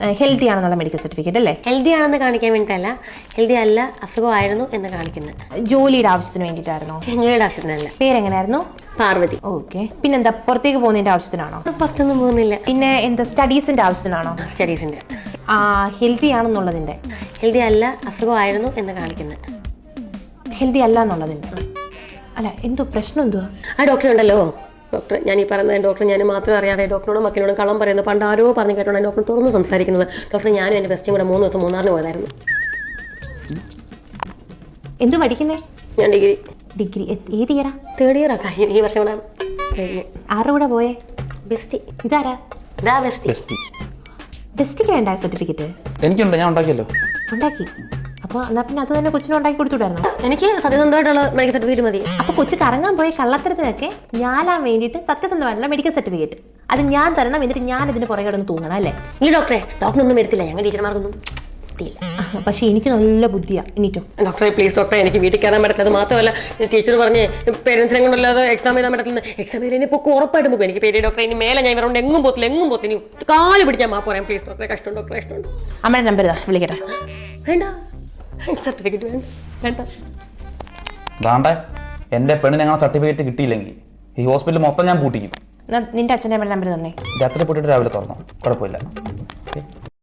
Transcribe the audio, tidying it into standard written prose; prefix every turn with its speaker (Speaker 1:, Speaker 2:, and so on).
Speaker 1: Healthy ആണെന്നുള്ള medical certificate അല്ലേ?
Speaker 2: Healthy ആണെന്ന് കാണിക്കാൻ വേണ്ടിയിട്ടല്ല, ഹെൽത്തി അല്ല അസുഖമായിരുന്നു എന്ന് കാണിക്കുന്നത്.
Speaker 1: ജോലിയുടെ ആവശ്യത്തിന് വേണ്ടിയിട്ടായിരുന്നോ?
Speaker 2: ജോലിയുടെ ആവശ്യത്തിനല്ല.
Speaker 1: പേരെങ്ങനെയായിരുന്നു?
Speaker 2: പാർവതി.
Speaker 1: ഓക്കെ. പിന്നെന്താ, പുറത്തേക്ക് പോകുന്നതിന്റെ ആവശ്യത്തിനാണോ?
Speaker 2: പുറത്തൊന്നും പോകുന്നില്ല.
Speaker 1: പിന്നെ എന്താ, സ്റ്റഡീസിന്റെ ആവശ്യത്തിനാണോ?
Speaker 2: സ്റ്റഡീസിന്റെ.
Speaker 1: ഹെൽത്തി ആണെന്നുള്ളതിന്റെ?
Speaker 2: ഹെൽത്തി അല്ല അസുഖമായിരുന്നു എന്ന് കാണിക്കുന്നത്.
Speaker 1: ഹെൽത്തി അല്ല എന്നുള്ളതിന്റെ അല്ല, എന്തോ പ്രശ്നം എന്തുവാ?
Speaker 2: ആ ഡോക്ടർ ഉണ്ടല്ലോ, ഡോക്ടർ ഞാൻ ഈ പറയുന്നത് ഡോക്ടർ ഞാൻ മാത്രം അറിയാതെ ഡോക്ടറോടും മക്കളോടും കള്ളം പറയുന്നത് പണ്ട് ആരോ പറഞ്ഞു കേട്ടോണ്ട് ഡോക്ടർ തുറന്ന് സംസാരിക്കുന്നത്. ഡോക്ടർ ഞാനും എൻ്റെ ബെസ്റ്റും കൂടെ 3 ദിവസം മൂന്നാറിന് പോയതായിരുന്നു.
Speaker 1: എന്തു പഠിക്കുന്നേ?
Speaker 2: ഞാൻ ഡിഗ്രി.
Speaker 1: ഡിഗ്രി ഏത് ഇയറാ?
Speaker 2: 3rd ഇയറാ കഴിഞ്ഞു. ഈ വർഷം കൂടെ കഴിഞ്ഞു.
Speaker 1: ആരുടെ കൂടെ പോയേ?
Speaker 2: ബെസ്റ്റ്.
Speaker 1: ഇതാരാ?
Speaker 2: ഇതാ ബെസ്റ്റ്.
Speaker 1: ബെസ്റ്റിക്ക് വേണ്ട സർട്ടിഫിക്കറ്റ്?
Speaker 3: എനിക്കുണ്ട്, ഞാൻ ഉണ്ടാക്കിയല്ലോ.
Speaker 1: ഉണ്ടാക്കി? അപ്പൊ എന്നാ പിന്നെ അത് തന്നെ കൊച്ചിനും ഉണ്ടാക്കി കൊടുത്തുവിടായിരുന്നു.
Speaker 2: എനിക്ക് സത്യസന്ധമായിട്ടുള്ള മെഡിക്കൽ സർട്ടിഫിക്കറ്റ് മതി.
Speaker 1: അപ്പൊ കൊച്ചു കറങ്ങാൻ പോയി കള്ളത്തരത്തിനൊക്കെ ഞാനാൻ വേണ്ടിയിട്ട് സത്യസന്ധമായിട്ടുള്ള മെഡിക്കൽ സർട്ടിഫിക്കറ്റ് അത് ഞാൻ തരണം, എന്നിട്ട് ഞാൻ ഇതിന് പുറകെ കിടന്ന് തൂങ്ങണം അല്ലേ?
Speaker 2: ഈ ഡോക്ടറൊന്നും എടുത്തില്ല, ഞങ്ങൾ ടീച്ചർമാർക്കൊന്നും കിട്ടിയില്ല.
Speaker 1: പക്ഷെ എനിക്ക് നല്ല ബുദ്ധിയാ. എനിക്കും
Speaker 2: ഡോക്ടറെ പ്ലീസ് ഡോക്ടറെ, എനിക്ക് വീട്ടിൽ കയറാൻ പറ്റത്തില്ല. അത് മാത്രമല്ല ടീച്ചർ പറഞ്ഞ് പേരൻസിനെ കൊണ്ടല്ലാതെ എക്സാം എഴുതാൻ പറ്റത്തില്ല. എക്സാം എഴുതി ഇപ്പോൾ ഉറപ്പായിട്ട് പോകും. എനിക്ക് പേര് ഡോക്ടറെ, ഇനി മേലെ ഞാൻ ഇവരോട് എങ്ങും പോത്തില്ല. ഇനി കാല് പിടിക്കാൻ മാ പറയാം. പ്ലീസ് ഡോക്ടറെ, കഷ്ടം ഡോക്ടറെ, കഷ്ടമുണ്ട്.
Speaker 1: അമ്മയുടെ നമ്പർ ഇതാ, വിളിക്കട്ടെ.
Speaker 2: വേണ്ട, സർട്ടിഫിക്കറ്റ് വേണ്ട.
Speaker 3: ദാണ്ടെ എന്റെ പെണ്ണിന് അങ്ങനെ സർട്ടിഫിക്കറ്റ് കിട്ടിയില്ലെങ്കിൽ ഈ ഹോസ്പിറ്റൽ മൊത്തം ഞാൻ പൂട്ടിക്കും.
Speaker 1: നിന്റെ അച്ഛൻ്റെ അമ്മയുടെ നമ്പർ തന്നെ.
Speaker 3: രാത്രി പൊട്ടിട്ട് രാവിലെ തുറന്നോ, കുഴപ്പമില്ല.